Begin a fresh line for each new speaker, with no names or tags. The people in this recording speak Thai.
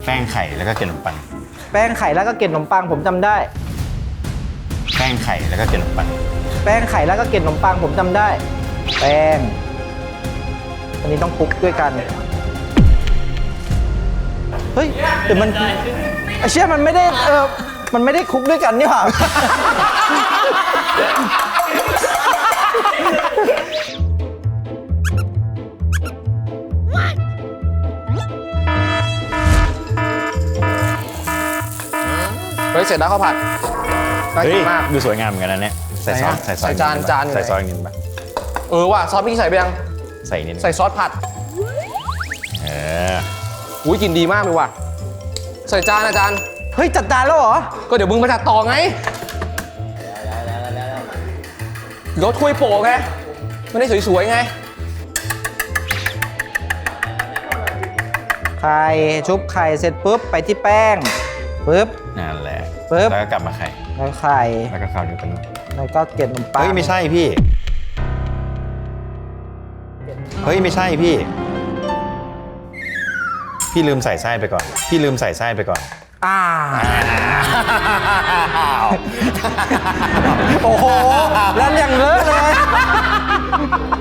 ป้งไข่แล้วก็เกล็ดขนมปัง
แป้งไข่แล้วก็เกล็ดขนมปังผมจำได้
แป้งไข่แล้วก็เกล็ดขนมปัง
แป้งไข่แล้วก็เกล็ดขนมปังผมจำได้แป้งอันนี้ต้องคลุกด้วยกันเฮ้ยแต่มันไอ้เชี่ยมันไม่ได้มันไม่ได้คลุกด้วยกันนี่หว่า
เฮ้ยเสร็จแล้วข้าวผัดน่ากินมาก
ดูสวยงามเหมือนกันนะเนี่ยใส่ซอส
ใส่จาน
ใส่ซอสนิดนึงปะ
ว่ะซอสพี่ใส่ไปยัง
ใส่นิดนึง
ใส่ซอสผัดอุ้ยกินดีมากเลยว่ะใส่จานอาจารย์
เฮ้ยจัดจานแล้วเหรอ
ก็เดี๋ยวมึงมาจัดต่อไงเดี๋ยวถ้วยโปะไงมันได้สวยๆไง
ไข่ชุบไข่เสร็จปุ๊บไปที่แป้งปุ๊บ
นั่นแหละ
ปุ๊บ
แล้วก็กลับมาไข่
แล้วไข่
แล้วก็ข้าวเหนียวกัน
แล้วก็เกล็ดขนมปัง
เฮ้ยไม่ใช่พี่เฮ้ยไม่ใช่พี่ลืมใส่ไส้ไปก่อน
โอ้โหแล้วยังเลอะเลย